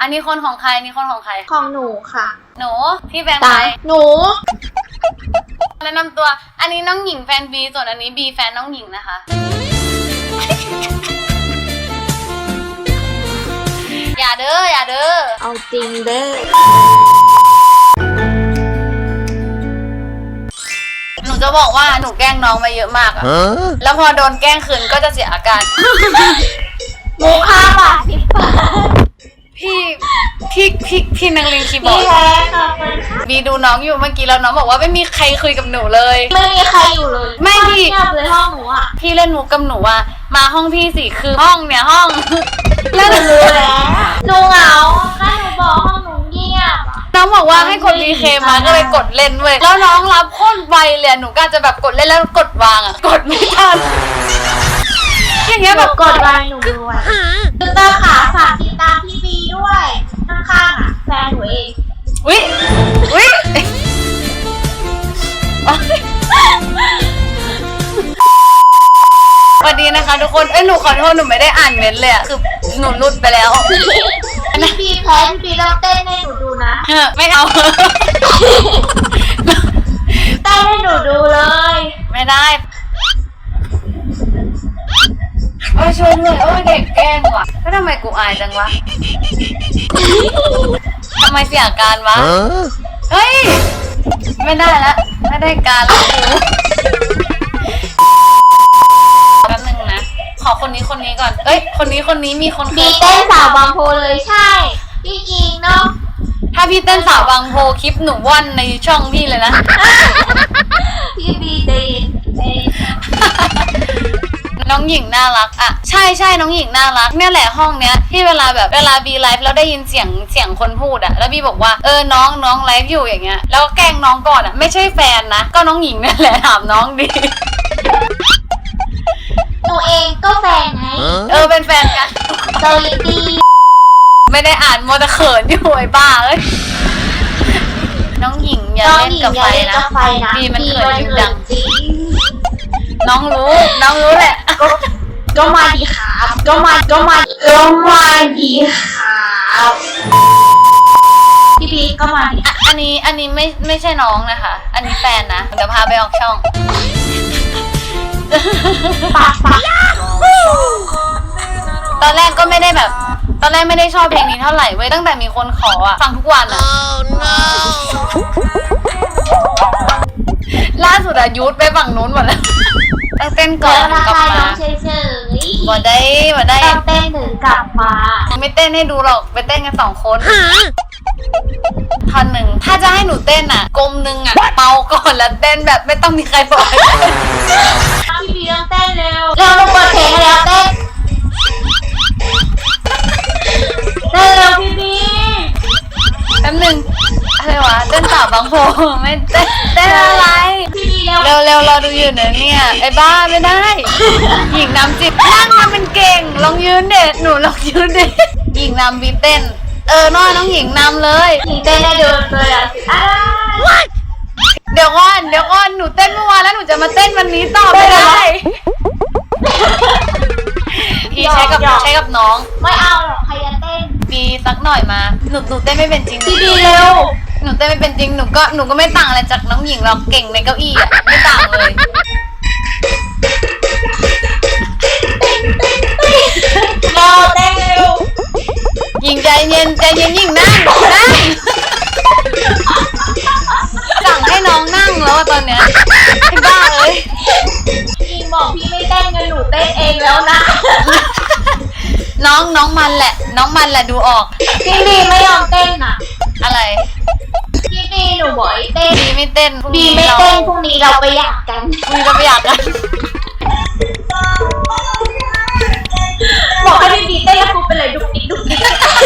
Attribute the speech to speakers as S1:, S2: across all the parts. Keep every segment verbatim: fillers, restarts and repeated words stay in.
S1: อันนี้คนของใครอันนี้คนของใคร
S2: ของหนูค่ะ
S1: หนูพี่แฟนใคร
S2: หนู
S1: แนะนำตัวอันนี้น้องหญิงแฟนบีส่วนอันนี้บีแฟนน้องหญิงนะคะอย่าเด้ออย่าเด้อ
S2: เอาจริงเด้อ
S1: หนูจะบอกว่าหนูแกล้งน้องมาเยอะมากอะแล้วพอโดนแกล้งคืนก็จะเสียอาการ
S2: มูค่าบาทสิบบาท
S1: พี่พี่พี่พี่นางลิงคีย์บอร์ดบีดูน้องอยู่เมื่อกี้แล้วน้องบอกว่าไม่มีใครคุยกับหนูเลย
S2: ไม่มีใครอยู่เลย
S1: ไม่พี่
S2: เงียบเลยห้องหนูอ่ะ
S1: พี่เล่นมุกกับหนูว่ามาห้องพี่สิคือห้องเนี่ยห้อง
S2: แล้วหนูรู้แล้วหนูเหงาก็หนูบอกห้องหนูเงียบ
S1: น้องบอกว่าให้กดดีเคมาก็เลยกดเล่นเว้ยแล้วน้องรับโคตรไวเลยหนูก็จะแบบกดเล่นแล้วกดวางอ่ะกดไม่ทันอย่างเงี้ยแบบ
S2: กดวางหนูด้วยคือตาขาฝากติดตามพี่บีด้วยข้างๆอ่ะแฟนหนูเอง
S1: อุ๊ยอุ๊ยสวัสดีนะคะทุกคนเอ้ยหนูขอโทษหนูไม่ได้อ่านเมนต์เลยอ่ะคือหนูรุดไปแล้ว
S2: พี่บีแพ้พี่บีเราเต้นให้หนูดูนะ
S1: ไม่เอา
S2: เต้นให้หนูดูเลย
S1: ไม่ได้โอ้ยช่วยด้วยโอ้ยเด็กแกล้งว่ะแล้วทำไมกูอายจังวะทำไมเสียการวะเฮ้ยไม่ได้ละไม่ได้การแล้วกูแป๊บนึงนะขอคนนี้คนนี้ก่อนเอ้ยคนนี้คนนี้มีคน
S2: บีเต้นสาวบางโพเลยใช่พี่จริงเนาะ
S1: ถ้าพี่เต้นสาวบางโพคลิปหนูว่อนในช่องพี่เลยนะ
S2: พี่บีเต้น
S1: น้องหญิงน่ารักอ่ะใช่ใช่น้องหญิงน่ารักเนี่ยแหละห้องเนี้ยที่เวลาแบบเวลาบีไลฟ์แล้วได้ยินเสียงเสียงคนพูดอ่ะแล้วบีบอกว่าเออน้องน้องไลฟ์อยู่อย่างเงี้ยแล้วแกล้งน้องก่อนอ่ะไม่ใช่แฟนนะก็น้องหญิงนั่นแหละถามน้องดิ
S2: หนูเองก็แฟนไง
S1: เออเป็นแฟนกัน
S2: สวัสดี
S1: ไม่ได้อ่านโมตะเขินอยู่ไอ้บ้าเอ้ยน้องหญิงอย่าเล่นกับไฟนะบีมันเขินอยู่ดังน้องรู้น้องรู้แหละ
S2: ก็ก็มาดีครับก็มาก็มาก็มาดีครับพี่บีก็มาดี
S1: อันนี้อันนี้ไม่ไม่ใช่น้องนะคะอันนี้แฟนนะเดี๋ยวพาไปออกช่อง
S2: ปากปาก
S1: ตอนแรกก็ไม่ได้แบบตอนแรกไม่ได้ชอบเพลงนี้เท่าไหร่เว้ยตั้งแต่มีคนขออะฟังทุกวันอะ oh, no. ล่าสุดอะยุทธไปฝั่งนู้นหมดแล้วต้องเต้นก่อน
S2: กลับมา
S1: บ่ได้บ่ได้
S2: ต้องเต้นถึงกลับมา
S1: ไม่เต้นให้ดูหรอกไปเต้นกันสองคนท่อนหนึ่งถ้าจะให้หนูเต้นอ่ะกลมหนึ่งอ่ะเมาก่อนแล้วเต้นแบบไม่ต้องมีใครบอก
S2: พี่บีต้องเต้นเร็วเร็วลงเปิดเพลงแล้วเต้นเต้นเร็วพี่บี
S1: แป๊บนึงอะไรวะเต้นสาวบางโพไม่เต้นเต้นอะไรเร็วเร็วเราดูอยู่เนี่ยเนี่ยไอ้บ้าไม่ได้หญิงนำจิตนั่งมาเป็นเก่งลองยืนเด็ดหนูลองยืนเด็ดหญิงนำบีเต้นเออน้อยน้องหญิงนำเลย
S2: หญิงเต้นได้ดูเลยอ่ะ
S1: เดี๋ยวก่อนเดี๋ยวก่อนหนูเต้นเมื่อวานแล้วหนูจะมาเต้นวันนี้ต่อไม่ได้พี่ใช้กับใช้กับน้อง
S2: ไม่เอาหรอกใครจะเต้น
S1: บีสักหน่อยมาหนูหนูเต้นไม่เป็นจริง
S2: พี่บีเร็ว
S1: หนูเต้นไม่เป็นจริงหนูก็หนูก็ไม่ต่างอะไรจากน้องหญิงหรอกเก่งในเก้าอี้อ่ะไม่ต่างเลย
S2: เราเต้นเร็ว
S1: หญิงใจเย็นใจเย็นหญิงนั่งนั่งสั่งให้น้องนั่งแล้วตอนเนี้ยไอ้บ้าเอ้ย
S2: พี่บอกพี่ไม่เต้นกันหนูเต้นเองแล้วนะ
S1: น้องน้องมันแหละน้องมันแหละดูออก
S2: พี่บีไม่ยอมเต้นอ่ะ
S1: อะไร
S2: พี่บีหนูบอกให้เต้น
S1: บีไม่เต้น
S2: บีไม่เต้นพรุ่งนี้เราไปอยากกัน
S1: บีเราไปอยากกัน
S2: บอกให้พี่บีเต้นแล้วกูไปเลยดุกดิกดุกดิก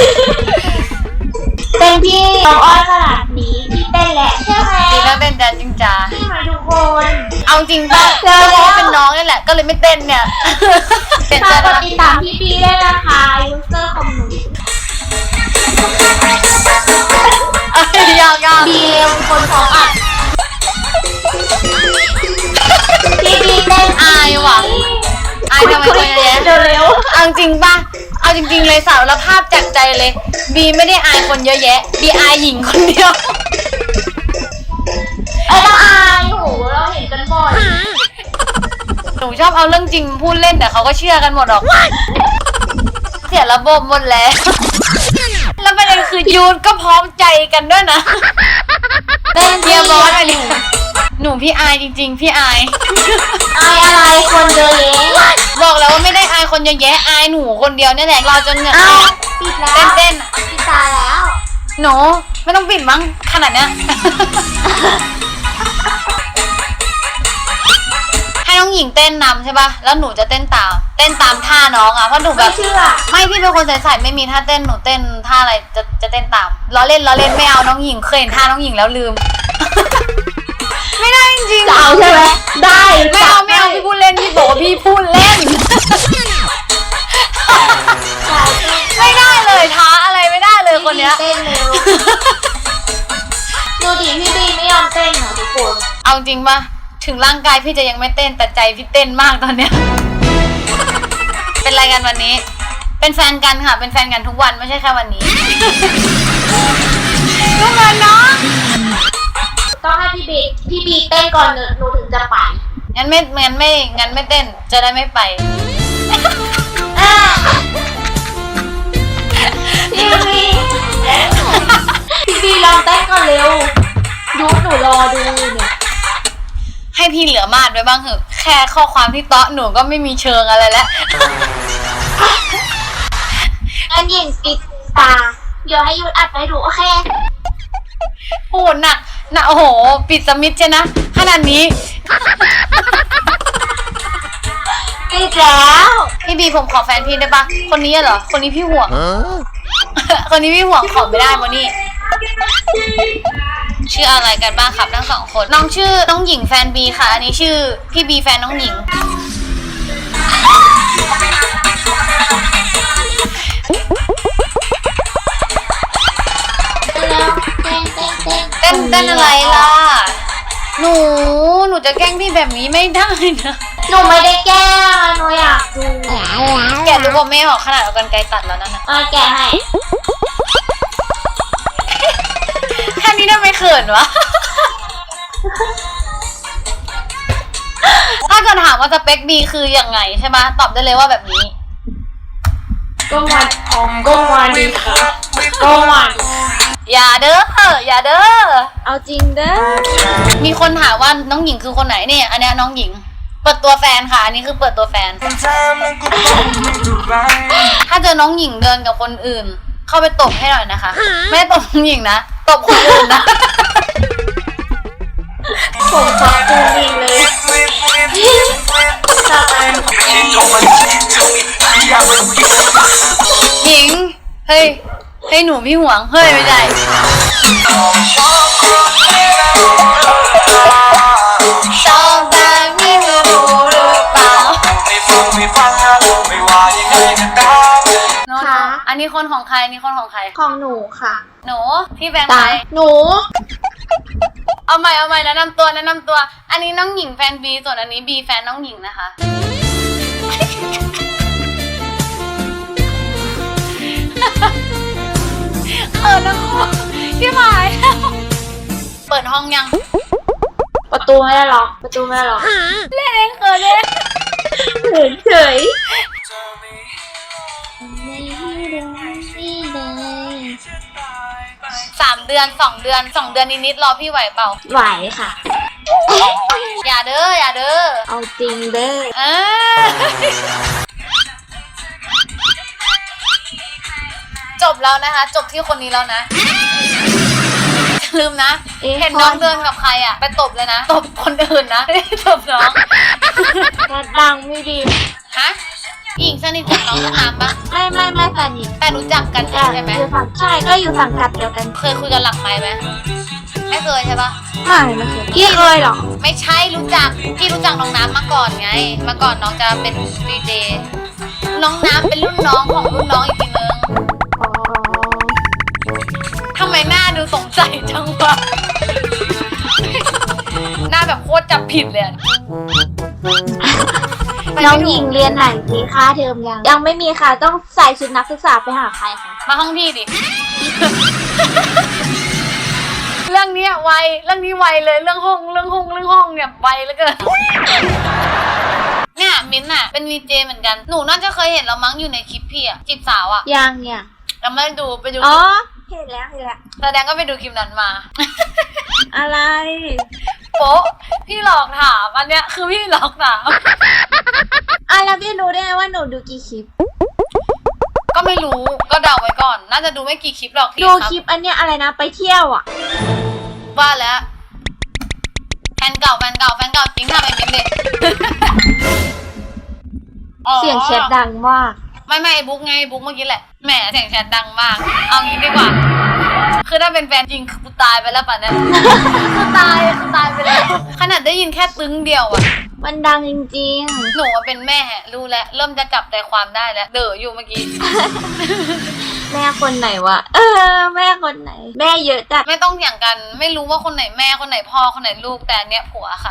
S2: เต้นพี่น้องอ้อนขนาดนี้พี่เต้นแหละใช่ไหม
S1: บีก็เต้นแต่จริงจ้า
S2: ใช่ไหมทุกคน
S1: เอาจริงป่ะเจอแล้วเป็นน้องนี่แหละก็เลยไม่เต้นเนี่ย
S2: ฝากกดติดตามพี่บีได้นะคะยูเซอร์ของหนู
S1: ยากยาก
S2: บีเร็วคนของอัดพี่บีเต้น
S1: อายว่ะอายทำไมคนเยอะ
S2: เร็ว
S1: เอาจริงป่ะเอเอาจริงๆเลยสารภาพจากใจเลยบีไม่ได้อายคนเยอะแยะบีอายหญิงคนเดียว
S2: ไอ้เราอายโหเราเห็นกันบ่อย
S1: หนูชอบเอาเรื่องจริงพูดเล่นแต่เขาก็เชื่อกันหมดหรอกเสียระบบหมดแล้วแล้วประเด็นคือยูนก็พร้อมใจกันด้วยนะ
S2: เต้น
S1: เฮียบอสอะไรหนูพี่อายจริงๆพี่อาย
S2: อายอะไรคนเยอะแยะ
S1: บอกแล้วว่าไม่ได้อายคนเยอะแยะอายหนูคนเดียวนี่แหละเราจนเหงื่อ
S2: อ้า
S1: อ
S2: ว
S1: อก
S2: ปิดแล้ว
S1: เต้น
S2: ปิดตาแล้ว
S1: ๆหนูไม่ต้องปิดมั้งขนาดเนี้ย ให้น้องหญิงเต้นนำใช่ป่ะแล้วหนูจะเต้นตามเต้นตามท่าน้องอ่ะเพราะหนูแบ
S2: ไม่
S1: บ
S2: เชื่อ
S1: ไม่พี่เป็นคนใส่ๆไม่มีท่าเต้นหนูเต้นท่าอะไรจะจะเต้นตามล้อเล่นล้อเล่นไม่เอาน้องหญิงเคยเห็นท่าน้องหญิงแล้วลืม ไม่ได้จริงๆ
S2: จะเอาใช่ไหมได้
S1: ไม่เอาไม่เอาพี่พูดเล่นพี่บอกว่าพี่พูดเล่น ไม่ได้เลยท้าอะไรไม่ได้เลยคนเนี้ย
S2: เต้นเร็วดูดิพี่บีไม่ยอมเต้นเหรอทุกคน
S1: เอาจริงป่ะถึงร่างกายพี่จะยังไม่เต้นแต่ใจพี่เต้นมากตอนเนี้ย เป็นอะไรกันวันนี้ เป็นแฟนกันค่ะเป็นแฟนกันทุกวันไม่ใช่แค่วันนี้ ทุกวันเนาะ
S2: ต้องให้พี่บีพี่บีเต้นก่อนหนูถึงจะไป
S1: งั้นไม่งั้นไม่งั้นไม่เต้นจะได้ไม่ไป
S2: อ่ะพี่บีพี่บีลองเต้นก่อนเร็วยูหนูรอดูเนี่ย
S1: ให้พี่เหลือมาดไว้บ้างเหอะแค่ข้อความที่เตาะหนูก็ไม่มีเชิงอะไรแล้ว
S2: อันยิงปิดตาเดี๋ยวให้ยูอัดไปดูโอเค
S1: โอ้หนักหนักโอ้โหปิดสมิธใช่นะขนาดนี้
S2: ปิดแล้ว
S1: พี่บีผมขอแฟนพี่ได้ปะคนนี้เหรอคนนี้พี่ห่วง คนนี้พี่ห่วงขอไม่ได้มานี่ชื่ออะไรกันบ้างครับทั้งสองคนน้องชื่อน้องหญิงแฟนบีค่ะอันนี้ชื่อพี่บีแฟนน้องหญิง
S2: แล้วเต้นเต้นเต้น
S1: เต้นเต้นอะไรล่ะหนูหนูจะแกล้งพี่แบบนี้ไม่ได้นะ
S2: หนูไม่ได้แก้หนูอยากดู
S1: แกรู้ว่าไม่ออกขนาดเอากันไกลตัดแล้วนั่นนะ
S2: เออแกะให้
S1: แค่นี้ได้ไม่เขินวะ ถ้าเกิดถามว่าสเปคบีคือยังไงใช่ไหมตอบได้เลยว่าแบบนี้
S2: ก็มาก็มาดีค่ะก็มาดี
S1: อย่าเด้ออย่าเด้อ
S2: เอาจริงเด้อ
S1: มีคนถามว่าน้องหญิงคือคนไหนเนี่ยอันเนี้ยน้องหญิง เปิดตัวแฟนค่ะอันนี้คือเปิดตัวแฟน ถ้าเจอน้องหญิงเดินกับคนอื่น เข้าไปตบให้หน่อยนะคะ ไม่ได้ตบน้องหญิงนะตบคนอื่นนะ
S2: ผมขอบคุณดีเลยต่อไป
S1: หญิงเฮ้ยเฮ้ยหนูพี่หวงเฮ้ยไม่ได้ชอบแต่ไม่รู้หรือเปล่าโน้ตอันนี้คนของใครอันนี้คนของใคร
S2: ของหนูค่ะ
S1: หนูพี่แบงค์
S2: ตา
S1: ใคร
S2: หนู
S1: เอาใหม่เอาใหม่แนะนำตัวแนะนำตัว อันนี้น้องหญิงแฟนบีส่วนอันนี้บีแฟนน้องหญิงนะคะ เออน้องพี่หมายเปิดห้องยัง
S2: ประตูไม่ได้ล็อกประตูไม่ได้ล็อก
S1: เล่นเองเขินเลย
S2: เฉยเฉย
S1: สามเดือนสองเดือนสองเดือนนิดๆรอพี่ไหวเปล่า
S2: ไหวค่ะ
S1: อย่าเด้ออย่าเด้อ
S2: เอาจริงเด้อ
S1: เออจบแล้วนะคะ จบที่คนนี้แล้วนะ ลืมนะ เห็นน้องเดินกับใครอ่ะ ไปตบเลยนะ ตบคนอื่นนะไม่ได้ตบน้อง
S2: รัดดังไม่ดี
S1: ฮะหญิงสนิทกับน้องน้ำปะ
S2: ไม่ไม่ไม่แฟนหญิง
S1: แต่รู้จักกันใช่ไหม
S2: อยู่ฝั่งใช่ก็อยู่ฝั่งกัดเดียวกัน
S1: เคยคุยกันหลังไมค์ไหมไม่เคยใช่ปะ
S2: ไม่ไม่เคยพี่เคยหรอ
S1: ไม่ใช่รู้จักพี่รู้จักน้องน้ำมาก่อนไงมาก่อนน้องจะเป็นดีเจน้องน้ำเป็นรุ่นน้องของรุ่นน้องอีกทีนึง
S2: อ๋อ
S1: ทำไมหน้าดูสงสัยจังวะ หน้าแบบโคตรจับผิดเลยอะ
S2: น้องหญิงเรียนไหนมีค่าเทอมยังยังไม่มีค่ะต้องใส่ชุดนักศึกษาไปหาใครคะ
S1: มาห้องพี่ดิ เรื่องนี้ไวเรื่องนี้ไวเลยเรื่องห้องเรื่องห้องเรื่องห้องเนี่ยไวเหลือเกิน เนี่ยมิ้นท์อะเป็นวีเจเหมือนกันหนูน่าจะเคยเห็นเรามั้งอยู่ในคลิปพี่อะจีบสาวอะ
S2: ยังเนี่ย
S1: เราไม่ได้ดูไปดู
S2: อ๋อเห็นแล้วเห็นแล้ว
S1: แสดงก็ไปดูคลิปนั้นมา
S2: อะไร
S1: โป๊ะพี่หลอกถามอันเนี้ยคือพี่หลอกถาม
S2: อ่ะแล้วพี่รู้ได้ไงว่าหนูดูกี่คลิป
S1: ก็ไม่รู้ก็เดาไว้ก่อน น่าจะดูไม่กี่คลิปหรอกพี่
S2: ดู
S1: ครับ
S2: คลิปอันเนี้ยอะไรนะไปเที่ยวอ่ะ
S1: ว่าแล้วแฟนเก่าแฟนเก่าแฟนเก่าจริงทำไอ้มิ้นท์เลย อ๋อ
S2: เสียงแชทดังมาก
S1: ไม่ไม่ไอ้บุ๊กไงบุ๊กเมื่อกี้แหละแหมเสียงแชทดังมาก เอางี้ดีกว่า คือถ้าเป็นแฟนจริงคือกูตายไปแล้วป่ะเนี่ย กูตายกูตายไปแล้ว ขนาดได้ยินแค่ตึ้งเดียวอะ
S2: มันดังจริง
S1: หนูว่าเป็นแม่รู้แล้วเริ่มจะจับใจความได้แล้วเด๋ออยู่เมื่อกี้
S2: ๆ แม่คนไหนวะเออแม่คนไหน แม่เยอะจัด
S1: ไม่ต้องอย่างกันไม่รู้ว่าคนไหนแม่คนไหนพ่อคนไหนลูกแต่อันเนี้ยผัวค่ะ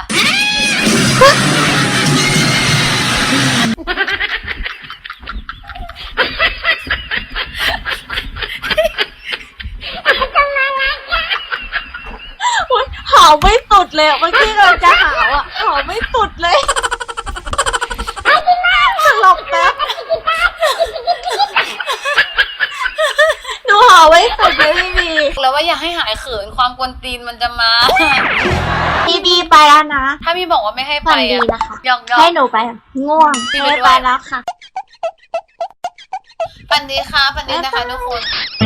S2: อุ๊ยหาวไม่สุดเลยอะเมื่อกี้เราจะหาวอ่ะหาวไม่สุดเลยสลบแป๊บหนูหาวไม่สุดเลยพี่บี
S1: แล้วว่าอยากให้หายเขินความกวนตีนมันจะมา
S2: พี่บีไปแล้วนะ
S1: ถ้าพี่บอกว่าไม่ให้ไป
S2: ฝันดี
S1: อ่ะ
S2: นะคะ
S1: ยอกยอก
S2: ให้หนูไปง่วง
S1: พี่ไป
S2: ไม่
S1: ด้วย
S2: ไปแล้วค่ะ
S1: ฝันดีค่ะฝันดีนะคะทุกคน